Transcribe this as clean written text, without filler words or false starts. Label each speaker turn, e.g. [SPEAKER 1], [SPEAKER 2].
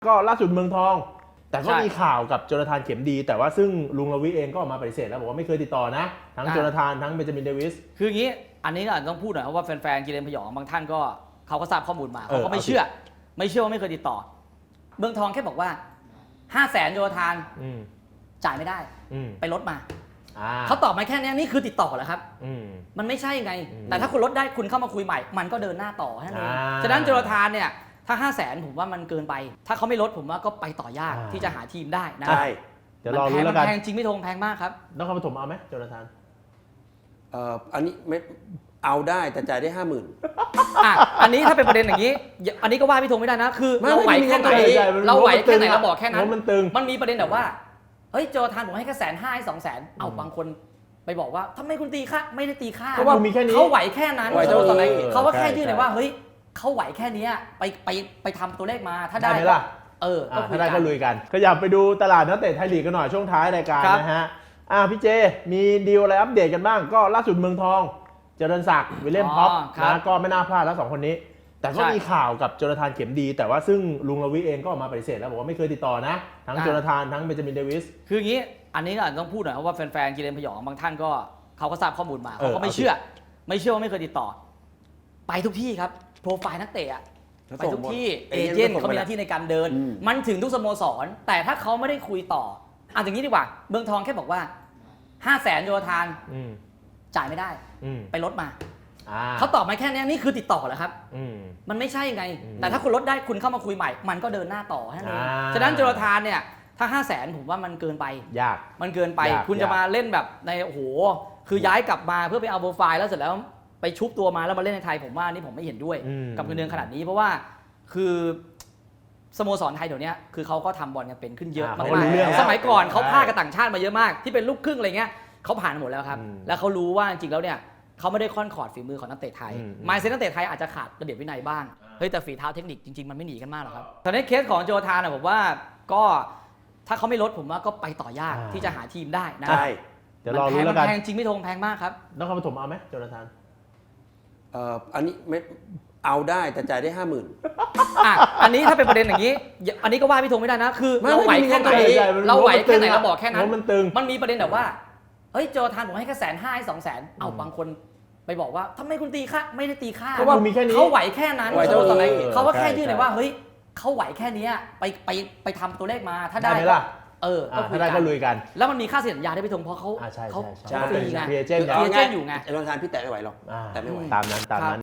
[SPEAKER 1] ก็ล่าสุดเมืองทองแต่ก็มีข่าวกับโจนาธานเข็มดีแต่ว่าซึ่งลุงลวีเองก็ออกมาปฏิเสธแล้วบอกว่าไม่เคยติดต่อนะทั้งโจนาธานทั้งเบนจามินเดวิส
[SPEAKER 2] คืออย่างนี้อันนี้เราต้องพูดหน่อยว่าแฟนๆกิเลนพยองบางท่านก็เขาก็ทราบข้อมูลมาเขาก็ไม่เชื่อว่าไม่เคยติดต่อเมืองทองแค่บอกว่า500,000โจนาธานจ่ายไม่ได้ไปลดมาเขาตอบมาแค่นี้นี่คือติดต่อเหรอครับมันไม่ใช่ไงแต่ถ้าคุณลดได้คุณเข้ามาคุยใหม่มันก็เดินหน้าต่อแค่นั้นเองฉะนั้นโจนาธานเนี่ยถ้า500,000ผมว่ามันเกินไปถ้าเขาไม่ลดผมว่าก็ไปต่อยากที่จะหาทีมได้นะ
[SPEAKER 1] ใช่เดี๋ยวรอรู้แล้วกัน
[SPEAKER 2] แพงจริงไม่ทงแพงมากครับ
[SPEAKER 1] นครปฐมเอาไหมโจนาธาน
[SPEAKER 3] อันนี้ไม่เอาได้แต่จ่ายได้50,000
[SPEAKER 2] อันนี้ถ้าเป็นประเด็นอย่างนี้อันนี้ก็ว่าพี่ธงไม่ได้นะคือเราไหวแค่ไหนเราไหวแค่ไหนเราบอกแค่นั้นมันมีประเด็นแบบว่าเฮ้ยโจนาธานผมให้แค่150,000ให้200,000เอาบางคนไปบอกว่าทำไมคุณตีค่าไม่ได้ตีค่า
[SPEAKER 1] เพราะว่ามีแค่นี้
[SPEAKER 2] เขาไหวแค่นั้นเขาก็แค่ยื่นเลยว่าเฮ้ยเขาไหวแค่นี้ไปทำตัวเลขมาถ้าได้
[SPEAKER 1] ไหมล่ะถ้าได้ก็ลุยกันขยับไปดูตลาดนักเตะไทยลีกกันหน่อยช่วงท้ายรายการนะฮะพี่เจมีดีลอะไรอัปเดตกันบ้างก็ล่าสุดเมืองทองเจริญศักดิ์วิลเลียมพ็อปนะก็ไม่น่าพลาดแล้ว2คนนี้แต่ก็มีข่าวกับโจนาธานเข็มดีแต่ว่าซึ่งลุงลวีเองก็ออกมาปฏิเสธแล้วบอกว่าไม่เคยติดต่อนะทั้งโจนาธานทั้งเบนจามินเดวิส
[SPEAKER 2] คืออย่างนี้อันนี้เราต้องพูดหน่อยว่าแฟนๆกิเลนพยองบางท่านก็เขาก็ทราบข้อมูลมาเขาก็ไม่เชื่อว่าไม่เคยติดต่อไปทุกที่ครับโปรไฟล์นักเตะไปทุกที่เอเจนต์เขามีหน้าที่ในการเดินมันถึงทุกสโมสรแต่ถ้าเขาไม่ได้คุยต่ออย่างนี้ดีกว่าเมืองทองแค่บอกว่า500,000โจนาธานจ่ายไม่ได้ไปลดมาเขาตอบมาแค่นี้นี่คือติดต่อเหรอครับมันไม่ใช่ไงแต่ถ้าคุณลดได้คุณเข้ามาคุยใหม่มันก็เดินหน้าต่อแค่นั้นเองฉะนั้นโจนาธานเนี่ยถ้า500,000ผมว่ามันเกินไป
[SPEAKER 1] ยาก
[SPEAKER 2] มันเกินไปคุณจะมาเล่นแบบในโอ้โหคือย้ายกลับมาเพื่อไปเอาโปรไฟล์แล้วเสร็จแล้วไปชุบตัวมาแล้วมาเล่นในไทยผมว่านี่ผมไม่เห็นด้วยกับเงินเดือนขนาดนี้เพราะว่าคือสโมสรไทยเดี๋ยวนี้คือเขาก็ทำบอลกันเป็นขึ้นเยอะมากๆสมัยก่อนเขาพากับต่างชาติมาเยอะมากที่เป็นลูกครึ่งอะไรเงี้ยเขาผ่านหมดแล้วครับแล้วเขารู้ว่าจริงๆแล้วเนี่ยเขาไม่ได้ค่อนขอดฝีมือของนักเตะไทยไมซ์เซ็ตนักเตะไทยอาจจะขาดระเบียบวินัยบ้างเฮ้ยแต่ฝีเท้าเทคนิคจริงๆมันไม่หนีกันมากหรอกครับตอนนี้เคสของโจนาธานผมว่าก็ถ้าเขาไม่ลดผมว่าก็ไปต่อยากที่จะหาทีมได้นะ
[SPEAKER 1] ใช่เดี๋ยวรอรู้แล้วกัน
[SPEAKER 2] แพงจริงไม่ทงแพงมากครับ
[SPEAKER 1] นครปฐมเอาไหมโจนาธาน
[SPEAKER 3] อันนี้ไม่เอาได้แต่จ่ายได้50,000
[SPEAKER 2] อันนี้ถ้าเป็นประเด็นอย่างนี้อันนี้ก็ว่าพี่ธงไม่ได้นะคือเราไหวแค่ไหนเราไหวแค่ไหนเราบอกแค่นั้นมันมีประเด็นแบบว่าเฮ้ยโจนาธานผมให้แค่150,000ให้200,000เอาบางคนไปบอกว่าทำไมคุณตีค่าไม่ได้ตีค่า
[SPEAKER 1] เพราะว่ามีแค่นี้
[SPEAKER 2] เขาไหวแค่นั้นเขาก็แค่ยื่นเลยว่าเฮ้ยเขาไหวแค่นี้ไปทำตัวเลขมาถ้าได้
[SPEAKER 1] ถ้าได้ก็ลุยกัน
[SPEAKER 2] แล้วมันมีค่าเสียสัญญาได้พี่ธงเพราะเขา
[SPEAKER 1] เป็น
[SPEAKER 2] ฟรีไง
[SPEAKER 1] เอเจนต์
[SPEAKER 2] อยู่ไง
[SPEAKER 3] โจนาธานพี่แตะไม่ไหวหรอกแต่ไม่ไหว
[SPEAKER 1] ตามนั้น